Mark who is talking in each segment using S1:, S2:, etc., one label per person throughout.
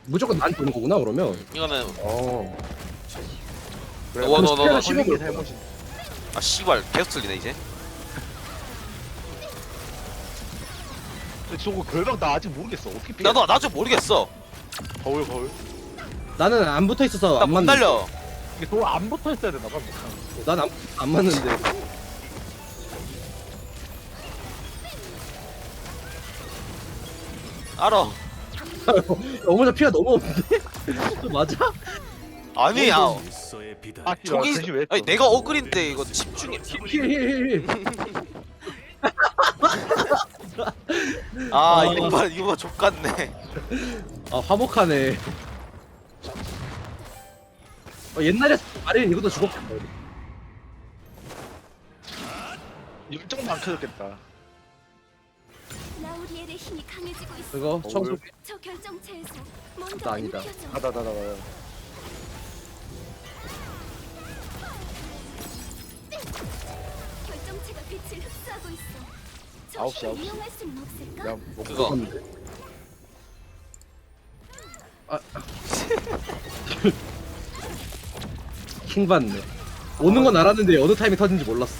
S1: 무조건 나한테 오는 거구나 그러면.
S2: 이거는
S1: 어.
S3: 그래,
S2: 너
S1: 그
S3: 걸린
S1: 씹어
S3: 게
S1: 먹을
S3: 잘못이.
S2: 아 씨발 계속 틀리네 이제.
S3: 근데 저거 결박 나 아직 모르겠어. 어떻게 피해?
S2: 나도 좀 모르겠어.
S3: 거울.
S1: 나는 안 붙어 있어서
S2: 나
S1: 안
S2: 못
S1: 맞는데.
S2: 날려.
S3: 이게 돌안 붙어 있어야 되나 봐.
S1: 난안 맞는데.
S2: 알아.
S1: 어머나 피가 너무 없는데? 저 맞아?
S2: 아니 야.
S3: 아,
S2: 저기
S3: 대신 왜?
S2: 아니 내가 어글인데 이거 집중해.
S1: 힐힐힐.
S2: 아 이거 족같네.
S1: 아 화목하네. 옛날에 아래는 이것도 죽었겠다.
S3: 열정도 안 켜졌겠다.
S4: 라우리엘의 힘이 강해지고 있어.
S1: 그거 청소.
S4: 저 결정체에서
S1: 나
S4: 뭔가
S1: 아니다.
S4: 느껴져.
S3: 나다.
S4: 결정체가 빛을 흡수하고 있어. 저
S3: 아홉 시,
S4: 힘을
S3: 아홉 시.
S4: 이용할 수는 없을까?
S3: 야, 뭐
S2: 그거.
S1: 킹 받네. 오는 건 알았는데 어느 타임에 터진지 몰랐어.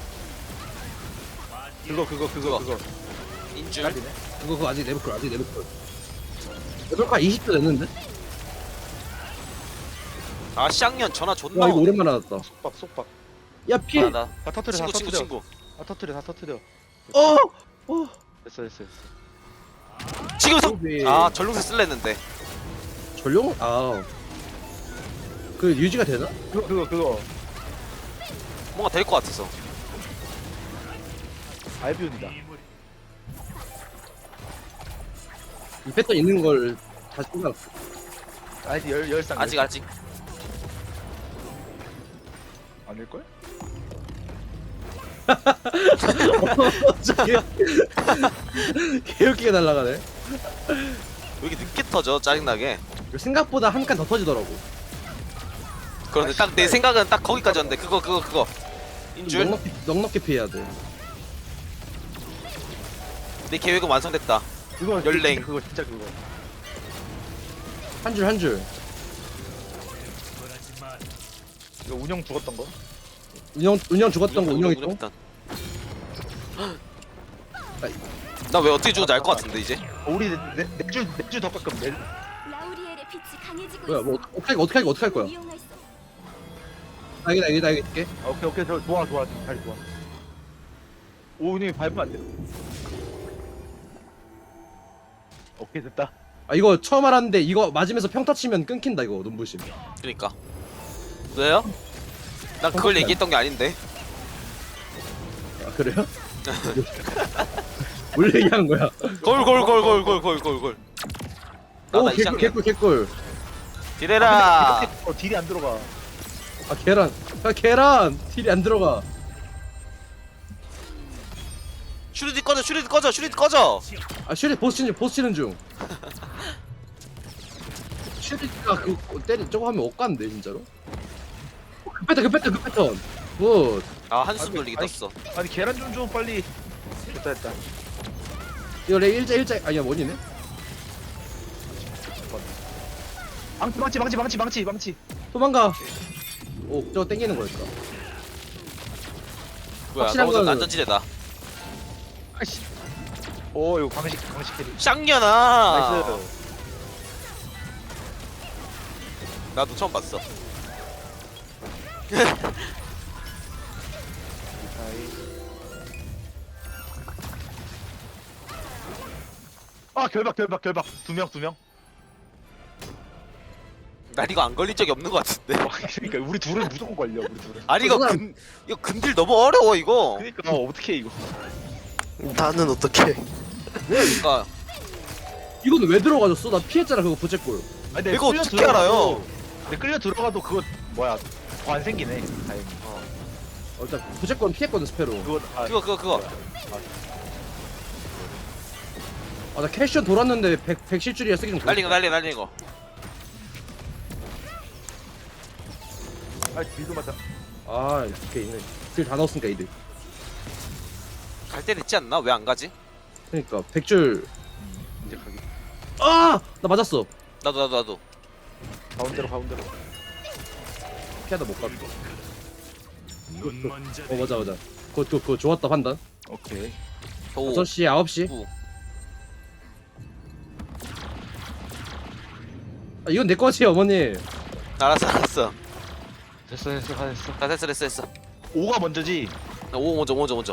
S3: 그거.
S2: 인줄.
S3: 딸리네.
S1: 그거 아직 레벨클 레벨클 20도 됐는데?
S2: 아 쌍년 전화 존나.
S1: 와 이거
S2: 오네.
S1: 오랜만에 받았다.
S3: 속박.
S1: 야 피!
S2: 나
S3: 다 터트려.
S2: 친구.
S3: 다 터트려.
S1: 어!
S3: 됐어.
S2: 지금
S1: 소비.
S2: 아 전룡새 쓸랬는데.
S1: 전용? 아. 그 유지가 되나?
S3: 그거.
S2: 뭔가 될 것 같아서.
S3: 알비온이다.
S1: 이 패턴 있는 걸 다시 생각.
S3: 아직 열상.
S2: 아직
S3: 아닐걸?
S1: 갑자기 개웃기게 날아가네.
S2: 왜 이렇게 늦게 터져 짜증나게.
S1: 생각보다 한 칸 더 터지더라고.
S2: 그런데 딱 내 생각은 딱 거기까지였는데 그거 인줄.
S1: 넉넉히 피해야 돼.
S2: 내 계획은 완성됐다.
S3: 그거
S2: 열랭.
S3: 그거 진짜 그거.
S1: 한 줄.
S3: 이거 운영 죽었던 거?
S1: 운영 죽었던 거 운영 있고.
S2: 나왜 어떻게 죽은지 알 것 같은데 이제.
S3: 우리 내주 더 가끔 내.
S4: 라우리엘의 빛이 강해지고
S1: 뭐야
S4: 있어.
S1: 뭐 어떻게 할 거야?
S4: 이용할 수.
S1: 나 이게.
S3: 오케이 저 좋아 다리 좋아. 오 운영이 밟으면 안 돼. 오케이 됐다.
S1: 아 이거 처음 알았는데 이거 맞으면서 평타 치면 끊긴다 이거 눈부심.
S2: 그러니까. 왜요? 난 그걸 얘기했던 게 아닌데.
S1: 아 그래요? 뭘 얘기하는 거야?
S2: 골.
S1: 오
S2: 나이 쌍년.
S1: 개꿀.
S2: 디레라.
S3: 딜이 안 들어가.
S1: 아 계란 딜이 안 들어가.
S2: 슈리드 꺼져.
S1: 아 슈리 보스 치는 중. 슈리가 그 때리 저거 하면 억간데 진짜로. 그 패턴. 굿.
S2: 아 한숨 돌리기
S3: 아니,
S2: 떴어.
S3: 아니 계란 좀 줘 빨리. 됐다.
S1: 이거 레 일자 아니야 원이네.
S3: 망치.
S1: 도망가. 오 저거 땡기는 거였다.
S2: 뭐야?
S1: 확실한
S2: 너보다
S1: 거는-
S2: 안전지대다.
S3: 아이씨. 오 이거 방식 캐리.
S2: 쌍년아.
S3: 나이스.
S2: 나도 처음 봤어.
S3: 아 결박 두 명.
S2: 난 이거 안 걸린 적이 없는 것 같은데.
S3: 그러니까 우리 둘은 무조건 걸려 우리 둘은.
S2: 아니 이거 근딜 너무 어려워 이거.
S3: 그러니까 어떻게 이거.
S5: 나는 어떻게?
S2: 그러니까
S1: 이건 왜 들어가졌어? 나 피했잖아 그거 부채꼴.
S3: 아니, 근데
S2: 이거
S3: 끌려
S2: 어떻게
S3: 들어가도-
S2: 알아요?
S3: 근데 끌려 들어가도 그거 뭐야 안 생기네 다행히.
S1: 일단 부채꼴은 피했거든 스페로.
S3: 그거
S2: 그거.
S1: 아 나 캐션 돌았는데 100 실줄이야 쓰기 좀.
S2: 날린 거.
S3: 아 딜도 맞다.
S1: 아 이렇게 있네. 딜다 넣었으니까 이들.
S2: 갈 때 됐지 않나? 왜 안 가지?
S1: 그러니까 100줄.
S3: 이제 가기.
S1: 아! 나 맞았어.
S2: 나도.
S3: 가운데로.
S1: 피하다 못 갔다. 맞아. 그거 좋았다 판단.
S3: 오케이.
S2: 5
S1: 6시 9시.
S2: 9
S1: 아, 이건 내 거지 어머니.
S2: 알았어.
S3: 됐어.
S2: 다 됐어.
S3: 5가 먼저지.
S2: 5 먼저.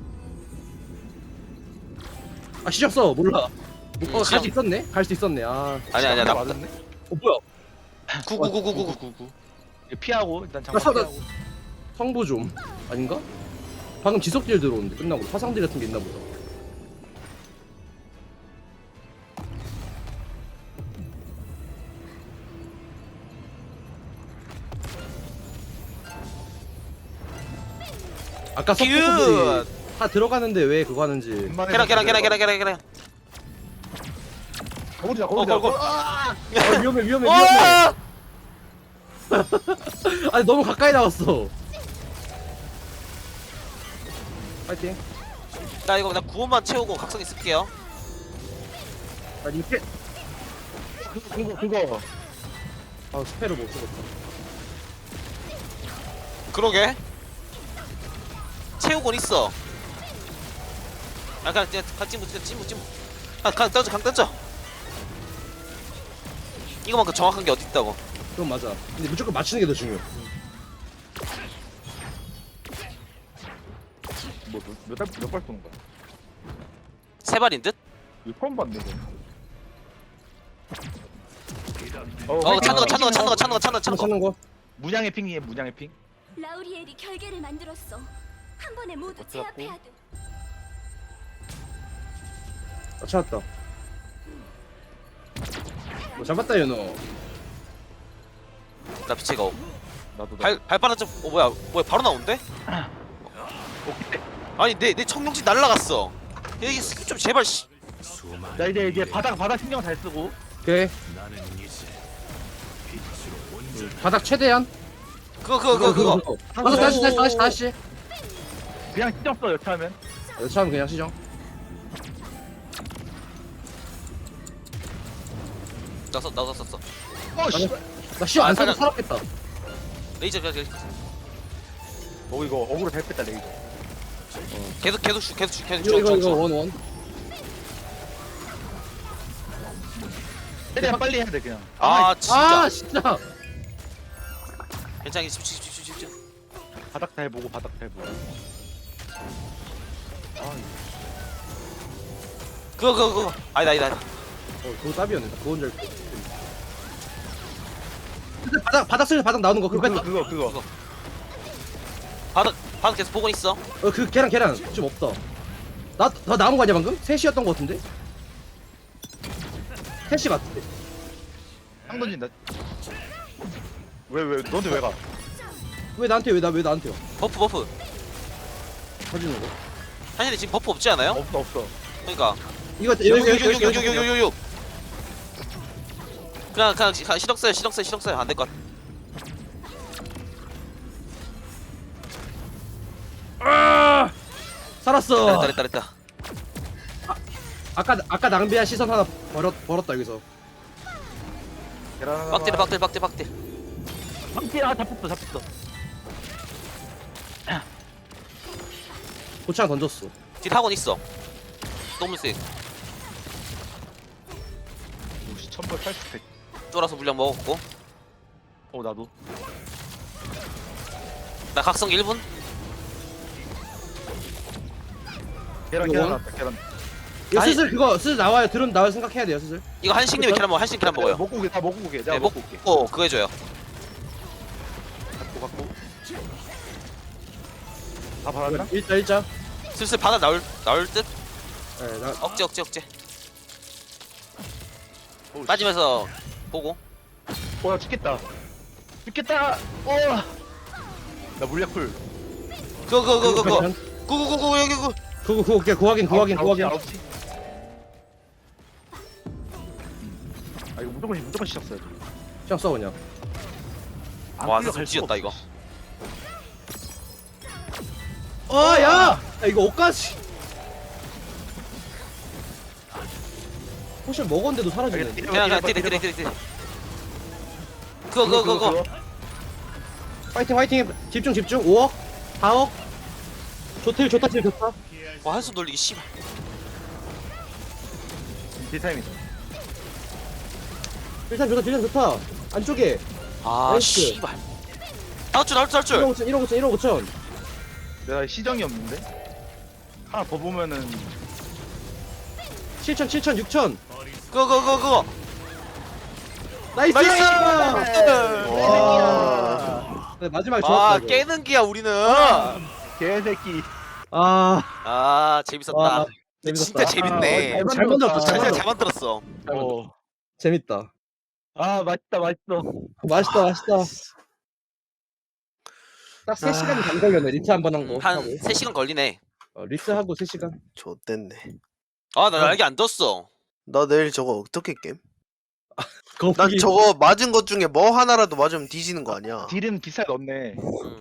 S1: 아 시작 써 몰라. 갈
S2: 시작.
S1: 수 있었네. 갈 수 있었네. 아.
S2: 아니야 나
S3: 맞았네.
S1: 뭐야?
S2: 9
S3: 피하고 일단
S1: 나
S3: 장판
S1: 사-
S3: 피하고.
S1: 성부 좀 아닌가? 방금 지속딜 들어오는데 끝나고 화상딜 같은 게 있나 보다. 아까
S2: 큐!
S1: 서포터들이 다 들어가는데 왜 그거 하는지.
S2: 계란
S3: 거울이다.
S2: 걸.
S1: 아, 위험해.
S2: 어!
S1: 아니 너무 가까이 나왔어. 파이팅.
S2: 나 이거 9원만 채우고 각성기 쓸게요.
S1: 아 이렇게.
S3: 그거.
S1: 아 스페를 못 쓰겠다.
S2: 그러게. 채우곤 있어. 아 그냥 찜무. 강 던져. 이거만큼 정확한 게 어디 있다고.
S1: 그건 맞아. 근데 무조건 맞추는 게 더 중요.
S3: 몇발 쏘는 거야?
S2: 세 발인 듯?
S3: 이거 처음 봤네.
S1: 찾는 거.
S3: 문양의 핑이에 문양의 핑.
S4: 라우리엘이 결계를 만들었어. 한 번에 모두
S3: 어쩌라고?
S4: 제압해야 돼.
S1: 아 찾았다. 잡았다 연호.
S2: 나 빛의 가오.
S3: 나도.
S2: 발바닥 좀 뭐야 바로 나온대? 아니 내 청룡지 날라갔어. 여기 스킵 좀 제발 씨.
S3: 나 이제 바닥 신경 잘 쓰고.
S1: 오케이. 바닥 최대한.
S2: 그거.
S1: 다시.
S3: 그냥 신경 써 여차하면.
S1: 처음 그냥 시정.
S2: 나도 썼어.
S3: 씨.
S1: 나 시정 안 사도
S2: 아,
S1: 살았겠다.
S2: 레이저
S3: 이거 어그로 잘 뺐다 레이저.
S2: 계속
S1: 이거 원.
S3: 최대한 빨리 해야 돼 그냥.
S2: 아 진짜.
S1: 아 진짜.
S2: 괜찮아 집중.
S3: 바닥 잘 보고.
S2: 그거. 아니다.
S1: 그거 답이었네. 그건 줄. 근데 바닥 쓸 바닥 나오는 거 그거 뺐다.
S3: 그거.
S2: 바닥 계속 보고 있어.
S1: 그 계란 좀 없다. 나 남은 거 아니야 방금? 3시였던 거 같은데? 3시 맞지?
S3: 땅 던진다. 왜 너한테 왜 가?
S1: 왜 나한테요?
S2: 버프.
S1: 터지는 거?
S2: 한일이 지금 버프 없지 않아요?
S3: 없어.
S2: 그러니까.
S1: 이거
S2: 6 그냥 시동 써요. 안 될 것 같아.
S1: 살았어.
S2: 됐다.
S1: 아까 낭비한 시선 하나 버렸다 여기서.
S3: 계란
S2: 빡딜.
S3: 방티 잡혔어.
S1: 고창 던졌어.
S2: 딜 학원 있어. 너무 세.
S3: 1000벌 80팩.
S2: 쫄아서 물량 먹었고.
S3: 나도.
S2: 나 각성 1분.
S3: 계란
S1: 이거
S3: 나왔다. 계란.
S1: 이거
S2: 아니-
S1: 슬슬 나와요. 들은 나올 생각해야 돼요 슬슬.
S2: 이거 한식님이 계란 먹어. 한식 계란 먹어요.
S3: 먹고 오게. 다 먹고 오게. 내가
S2: 네,
S3: 먹고 올게.
S2: 먹고 그거 해줘요.
S3: 갖고. 다 받았나?
S1: 일자.
S2: 슬슬 바다 나올 듯.
S1: 네, 나
S2: 억제. 빠지면서 보고.
S3: 나 죽겠다. 나 물약풀.
S2: 그거.
S1: 그거.
S2: 구구구구 여기 구.
S1: 그거 확인.
S3: 9시. 이거 무조건 시작 써야지.
S1: 시작 써 그냥.
S2: 와, 진짜 찢었다 이거.
S1: 야! 이거 옷까지. 포션 먹었는데도 사라지네.
S2: 그냥 때려. 그거.
S1: 화이팅. 집중. 5억, 4억. 좋다.
S2: 와 한숨 돌리기 씨발.
S3: 딜타임이다.
S1: 딜량 좋다. 안쪽에.
S2: 아
S1: 나이스.
S2: 씨발. 나올 줄.
S1: 1억 5천.
S3: 내가 시정이 없는데? 하나 더 보면은
S1: 7천, 6천.
S2: 그거.
S1: 나이스!
S5: 와.
S1: 네, 마지막에 좋았다.
S2: 아
S1: 이거.
S2: 깨는 기야 우리는.
S3: 개새끼.
S1: 아,
S2: 재밌었다.
S1: 와, 재밌었다.
S2: 진짜 재밌네.
S1: 잘 만들었다.
S2: 잘 만들었어.
S1: 재밌다.
S3: 아 맛있다.
S1: 맛있다. 딱 3시간이 반 걸렸네. 리트 한 번 한 거.
S2: 한
S1: 하고.
S2: 3시간 걸리네.
S1: 리트하고 3시간.
S5: 좋댔네.
S2: 아 나 날개 안 떴어.
S5: 나 내일 저거 어떻게 겜?
S1: 거북이.
S5: 난 저거 맞은 것 중에 뭐 하나라도 맞으면 뒤지는 거 아니야?
S3: 딜은 비싸게 넣네.